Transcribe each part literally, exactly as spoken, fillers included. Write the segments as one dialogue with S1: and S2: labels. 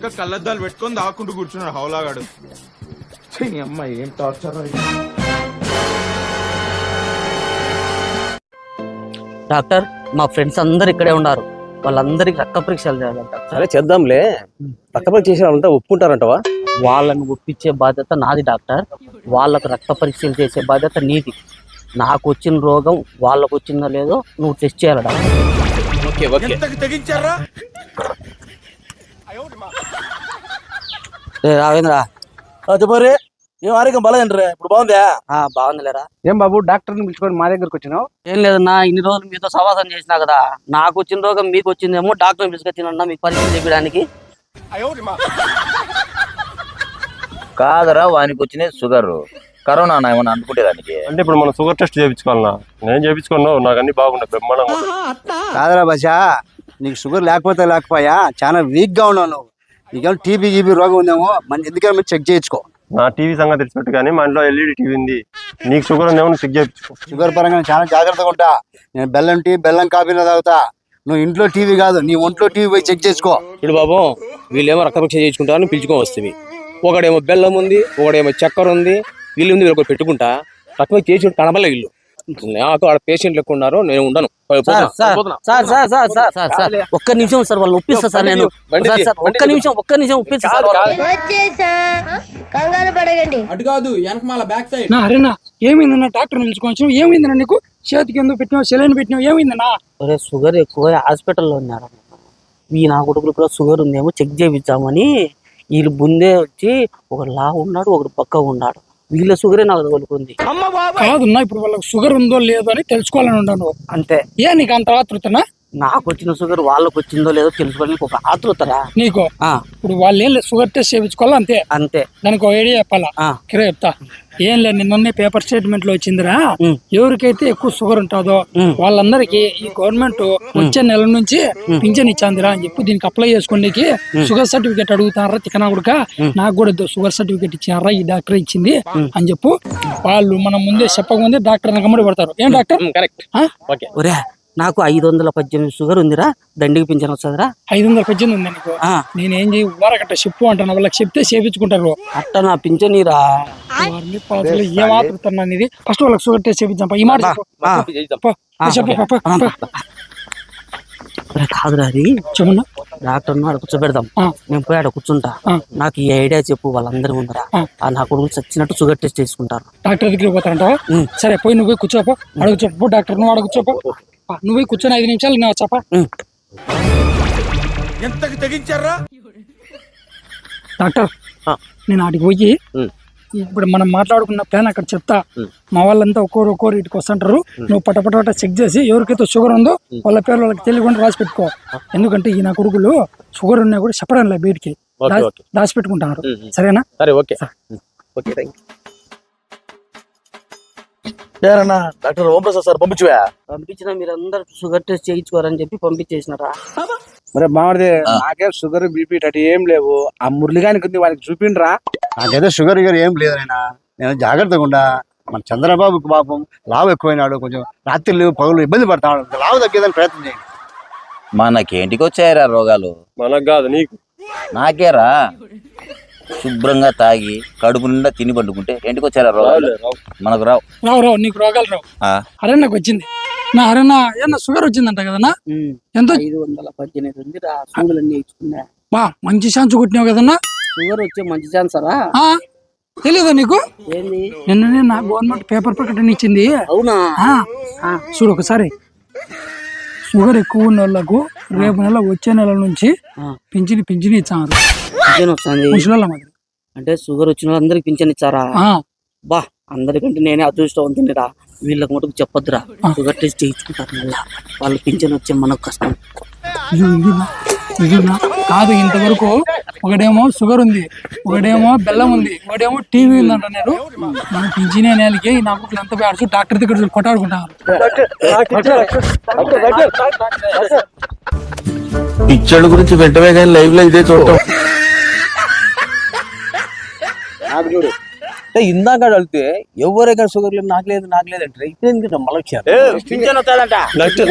S1: వెనక కళ్ళద్దాలు పెట్టుకొని దాక్కుంటూ కూర్చున్నాడు హౌలాగాడు. అమ్మాయి ఏం టార్చర్.
S2: డాక్టర్ మా ఫ్రెండ్స్ అందరు ఇక్కడే ఉన్నారు, వాళ్ళందరికి రక్త పరీక్షలు చేయాలంట.
S3: సరే చేద్దాంలే, రక్త పరీక్ష చేసిన వాళ్ళంతా ఒప్పుకుంటారంటవా?
S2: వాళ్ళని ఒప్పించే బాధ్యత నాది డాక్టర్, వాళ్ళకు రక్త పరీక్షలు చేసే బాధ్యత నీది. నాకు వచ్చిన రోగం వాళ్ళకు వచ్చిందో లేదో నువ్వు టెస్ట్ చేయాలి డాక్టర్.
S1: తెగించారా
S2: రావేంద్రా?
S3: చెప్పరే, ఏం ఆరోగ్యం బాగాలేదంటారా? ఇప్పుడు బాగుందా?
S2: బాగుందిలేరా.
S4: ఏం బాబు డాక్టర్ని పిలుచుకొని మా దగ్గరకు వచ్చినావు?
S2: ఏం లేదన్నా, ఇన్ని రోజులు మీతో సవాసం చేసినా కదా, నాకు వచ్చిన రోగం మీకు వచ్చిందేమో, డాక్టర్ పిలుచుకొచ్చినా మీకు పరీక్ష చేయడానికి.
S5: కాదరా, వానికి వచ్చిన షుగర్ కరోనా ఏమన్నా అనుకుంటే దానికి.
S3: అంటే ఇప్పుడు మనం షుగర్ టెస్ట్ చేయించుకోవాలన్నా? నేను చేయించుకున్నావు, నాకు అన్ని బాగున్నాయి, బ్రహ్మాండంగా.
S4: కాదరా బసా, నీకు షుగర్ లేకపోతే లేకపోయా చాలా వీక్ గా ఉన్నావు నువ్వు. నీకేమో టీబీ గీబీ రోగం ఉందేమో, మన ఎందుకని మీరు చెక్ చేయించుకో.
S3: నా టీవీ సంగతి తెలిసినట్టు కానీ మా ఇంట్లో ఎల్ఈడి టీవీ ఉంది. నీకు షుగర్ ఉందేమో, చెక్ చేయించుకో.
S4: షుగర్ పరంగా చాలా జాగ్రత్తగా ఉంటా. నేను బెల్లం టీ బెల్లం కాఫీలో తాగుతా. నువ్వు ఇంట్లో టీవీ కాదు, నీ ఒంట్లో టీవీ పోయి చెక్ చేసుకో.
S3: ఇప్పుడు బాబు, వీళ్ళేమో రక్త పరీక్ష చేయించుకుంటారని పిలుచుకొని వస్తుంది. ఒకడేమో బెల్లం ఉంది, ఒకడేమో చక్కెర ఉంది, వీళ్ళు ఉంది, వీళ్ళు పెట్టుకుంటా. రక్తం చేసి కనబడలే వీళ్ళు. నాకు ఆడ పేషెంట్ లెక్క ఉన్నారు, నేను ఉండను.
S2: ఒక్క నిమిషం సార్, వాళ్ళు ఒప్పిస్తా సార్. నేను ఒక్క నిమిషం ఒక్క నిమిషం ఒప్పిస్తా సార్.
S1: అటు కాదు, వెనకమాల బ్యాక్ సైడ్.
S6: అరేనా ఏమైందన్నా? డాక్టర్ నిలుచుకోవచ్చు. ఏమైందన్నా నీకు? చేతికి ఎందుకు పెట్టినావు? సెలైన్ పెట్టినావు? ఏమైందన్నా?
S2: అరే షుగర్ ఎక్కువ హాస్పిటల్లో ఉన్నారు. ఈ నా కొడుకులు కూడా షుగర్ ఉందేమో చెక్ చేయించామని వీళ్ళు ముందే వచ్చి, ఒకడు లా ఉన్నాడు, ఒకడు పక్క ఉన్నాడు. వీళ్ళ షుగరే నాకు తగులుకుంది.
S6: కాదున్నా, ఇప్పుడు వాళ్ళకి షుగర్ ఉందో లేదో అని తెలుసుకోవాలని ఉన్నాను అంతే. ఏ నీకు అంత ఆతృతనా?
S2: నాకు వచ్చిన షుగర్ వాళ్ళకి వచ్చిందో లేదో తెలుసుకోవాలని ఒక ఆతృతరా
S6: నీకు. ఇప్పుడు వాళ్ళు ఏం లేదు, షుగర్ టెస్ట్ చేయించుకోవాలి అంతే.
S2: అంతే.
S6: దానికి ఒక ఐడియా చెప్పాలా? కిరా చెప్తా. ఏం లేదు, నిన్న పేపర్ స్టేట్మెంట్ లో వచ్చిందిరా, ఎవరికైతే ఎక్కువ షుగర్ ఉంటుందో వాళ్ళందరికీ ఈ గవర్నమెంట్ వచ్చే నెల నుంచి పింఛన్ ఇచ్చాందిరా అని చెప్పి దీనికి అప్లై చేసుకోండికి షుగర్ సర్టిఫికేట్ అడుగుతారా తికనా కూడా. నాకు కూడా షుగర్ సర్టిఫికేట్ ఇచ్చారా, ఈ డాక్టర్ ఇచ్చింది అని చెప్పు. వాళ్ళు మనం ముందే చెప్పకముందే డాక్టర్ నమ్మడి పడతారు. ఏం డాక్టర్?
S2: కరెక్ట్. నాకు ఐదు వందల పద్దెనిమిది షుగర్ ఉందిరా, దండికి పింఛన్ వస్తుందిరా.
S6: ఐదు వందల పద్దెనిమిది ఉంది నీకు? నేనేం చేయి ఊరకట్ట చెప్పు అంటాను, వాళ్ళకి చెప్తే చేపించుకుంటారు.
S2: అట్ట నా పింఛనీరా.
S6: ఏం ఆతున్నా ఇది? ఫస్ట్ వాళ్ళకి షుగర్ టెస్ట్ చేపించాం. ఈ మాట చెప్పు.
S2: కాదురా, అది
S6: చెప్పన్నా.
S2: డాక్టర్ ఆడ కూర్చోబెడదాం, నేను పోయి ఆడ కూర్చుంటా. నాకు ఈ ఐడియా చెప్పు, వాళ్ళందరూ ముందరా నా కొడుకు చచ్చినట్టు షుగర్ టెస్ట్ చేసుకుంటారు.
S6: డాక్టర్ దగ్గరికి పోతారంట? సరే, పోయి నువ్వు కూర్చోపో, అడుగు చెప్పు. డాక్టర్ నువ్వు అడుగు కూర్చోపో, నువ్వు కూర్చొని ఐదు నిమిషాలు నేను చెప్పా.
S1: ఎంతకి తెగించారా
S6: డాక్టర్? నేను ఆడికి పోయి ఇప్పుడు మనం మాట్లాడుకున్న ప్లాన్ అక్కడ చెప్తా. మా వాళ్ళంతా ఒక్కోరు ఒక్కోరు ఇటుకు వస్తుంటారు. నువ్వు పటపట చెక్ చేసి ఎవరికైతే షుగర్ ఉందో వాళ్ళ పేరు వాళ్ళకి తెలియకుండా రాసి పెట్టుకో. ఎందుకంటే ఈ నా కొడుకులు షుగర్ ఉన్నా కూడా చెప్పడం లేదు, బయటికి దాచి పెట్టుకుంటున్నారు. సరేనా?
S3: సరే, ఓకే. డాక్టర్ ఓంప్రసాద్ సార్ పంపించువా?
S2: పంపించిన మీరు అందరు షుగర్ టెస్ట్ చేయించుకోరని చెప్పి పంపించేసినారా?
S4: మరి బాగుంది. నాకేం షుగర్ బీపీ అటు ఏం లేవు. ఆ మురళిగానికి ఉంది, వానికి చూపిండ్రా. నాకైతే షుగర్ గిగర్ ఏం లేదు. అయినా నేను జాగ్రత్తగా ఉండా. మన చంద్రబాబుకి పాపం లావు ఎక్కువైనాడు, కొంచెం రాత్రి పగులు ఇబ్బంది పడతాడు. లావు తగ్గేదని ప్రయత్నం చేయండి.
S5: మనకేంటికి వచ్చాయరా రోగాలు?
S3: మనకు కాదు, నీకు.
S5: నాకేరా, శుభ్రంగా తాగి కడుపు నిండా తిని పండుకుంటే ఇంటికి వచ్చారా రోగాలు? మనకు రావు.
S6: రావు రావు నీకు రోగాలు రావు. అరే నాకు వచ్చింది నా అరేనా ఏమన్నా షుగర్ వచ్చిందంట కదన్నా? ఎంత?
S2: ఐదు వందల పద్దెనిమిది ఉంది రా. సూదులన్నీ ఇచ్చుకున్నా.
S6: బా మంచి ఛాన్స్ కొట్టినావు కదన్నా.
S2: షుగర్ వచ్చే మంచి ఛాన్స్ రా.
S6: తెలీదా నీకు?
S2: ఏంది?
S6: నిన్ననే నా గవర్నమెంట్ పేపర్ ప్రకటన ఇచ్చింది.
S2: అవునా?
S6: చూడు ఒకసారి. షుగర్ ఎక్కువ ఉన్న వాళ్ళకు రేపు నెల వచ్చే నెల నుంచి పింఛని పింఛని ఇచ్చారు.
S2: అంటే షుగర్ వచ్చిన వాళ్ళందరికి పింఛన్ ఇచ్చారా? బా, అందరికంటే నేనే అదృష్టవంతునిరా. వీళ్ళకి మటుకు చెప్పొద్దురా, షుగర్ టెస్ట్ చేయించుకుంటారు. మళ్ళా వాళ్ళు పింఛన్ వచ్చే మనకు కష్టం.
S6: కాదు, ఇంతవరకు ఒకడేమో షుగర్ ఉంది, ఒకడేమో బెల్లం ఉంది, ఒకడేమో టీవీ ఉంది అంటున్నారు. మన పింఛనే నెలకి నా కుట్లు ఎంత పేడచ్చు డాక్టర్ దగ్గర కొట్టాడుకుంటారు.
S1: పిచ్చడు గురించి వెంటనే కానీ లైవ్ లో ఇదే చూడటం.
S3: చూడు, ఇందాక అడిగితే ఎవరైనా షుగర్ లేదు, నాకు లేదు నాకు లేదు అంటే ఇప్పుడు మళ్ళీ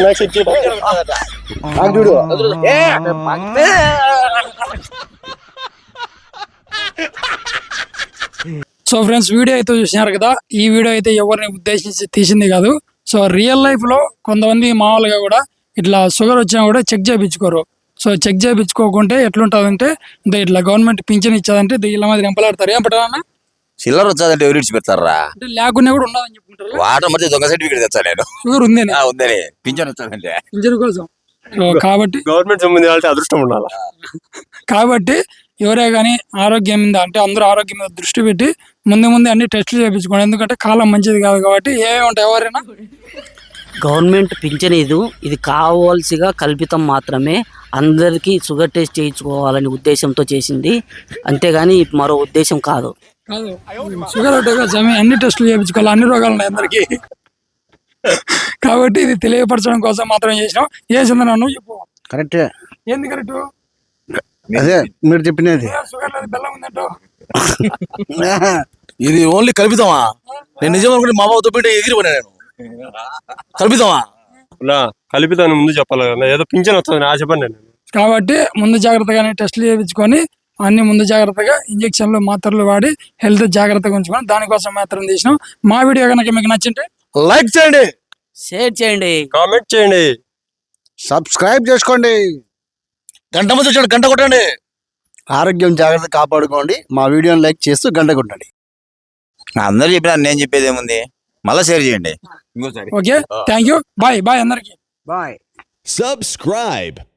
S3: వచ్చారు.
S6: సో ఫ్రెండ్స్, వీడియో అయితే చూసినారు కదా. ఈ వీడియో అయితే ఎవరిని ఉద్దేశించి తీసింది కాదు. సో రియల్ లైఫ్ లో కొంతమంది మామూలుగా కూడా ఇట్లా షుగర్ వచ్చినా కూడా చెక్ చేయించుకోరు. సో చెక్ చేయించుకోకుంటే ఎట్లుంటదంటే, అంటే ఇట్లా గవర్నమెంట్ పింఛన్ ఇచ్చేదంటే ఇలా మాదిరి ఎంపలాడతారు. ఏం పట్టాలన్నా
S5: చిల్లర వచ్చాదంటే ఎవరు ఇచ్చి పెడతారా?
S6: అంటే లేకుండా కూడా ఉండదని చెప్పుకుంటారు.
S5: వాటర్ మధ్య దొంగ సర్టిఫికేట్ తెచ్చా నేను.
S6: షుగర్ ఉంది
S5: ఆ, ఉందని పింఛన్ వచ్చాదంటే
S6: పింఛన్ కోసం. సో కాబట్టి
S3: గవర్నమెంట్ సంబంధించి వాళ్ళకి అదృష్టం ఉండాలి.
S6: కాబట్టి ఎవరే కానీ ఆరోగ్యం మీద, అంటే అందరూ ఆరోగ్యం మీద దృష్టి పెట్టి ముందు ముందే అన్ని టెస్టులు చేయించుకోండి. ఎందుకంటే కాలం మంచిది కాదు కాబట్టి ఏమేమి ఉంటాయి ఎవరైనా.
S2: గవర్నమెంట్ పింఛన్ ఇది ఇది కావాల్సిగా కల్పితం మాత్రమే. అందరికీ షుగర్ టెస్ట్ చేయించుకోవాలనే ఉద్దేశంతో చేసింది, అంతేగాని మరో ఉద్దేశం కాదు.
S6: కాదు, షుగర్ అంటే సమయం అన్ని టెస్టులు చేయించుకోవాలి, అన్ని రోగాలు ఉన్నాయి అందరికి. కాబట్టి ఇది తెలియపరచడం కోసం మాత్రం చేసినాం. ఏ చంద్ర నువ్వు చెప్పు.
S4: కరెక్టే,
S6: ఏంది కరెక్ట్?
S4: అదే మీరు చెప్పినది.
S6: షుగర్ లేదు, బెల్లం ఉందంటో.
S7: ఇది ఓన్లీ కల్పితమా? నేను నిజం అనుకుంటే మా బాబుతో పెట్టి ఎగిరిపోయినా నేను. కల్పితమా?
S8: నా కల్పితాన్ని ముందు చెప్పాలి కదా, ఏదో పింఛన్ వస్తుంది ఆశపడి నేను.
S6: కాబట్టి ముందు జాగ్రత్తగానే టెస్టులు చేయించుకొని అన్ని ముందు జాగ్రత్తగా ఇంజక్షన్లు మాత్రలు వాడి హెల్త్ జాగ్రత్తగా ఉంచుకొని దానికోసం మాత్రం తీసినాం. మా వీడియో కనుక మీకు నచ్చింటే
S8: లైక్ చేయండి,
S2: షేర్ చేయండి,
S8: కామెంట్ చేయండి,
S4: సబ్స్క్రైబ్ చేసుకోండి,
S7: గంట మధ్య వచ్చాడు, గంట కొట్టండి.
S4: ఆరోగ్యం జాగ్రత్త కాపాడుకోండి. మా వీడియోని లైక్ చేస్తూ గంట కొట్టండి.
S5: అందరు చెప్పినా నేను చెప్పేది ఏముంది, మళ్ళీ షేర్ చేయండి ఇంకోసారి.
S6: Okay, thank you, bye bye అందరికి.
S4: బాయ్.
S9: Subscribe.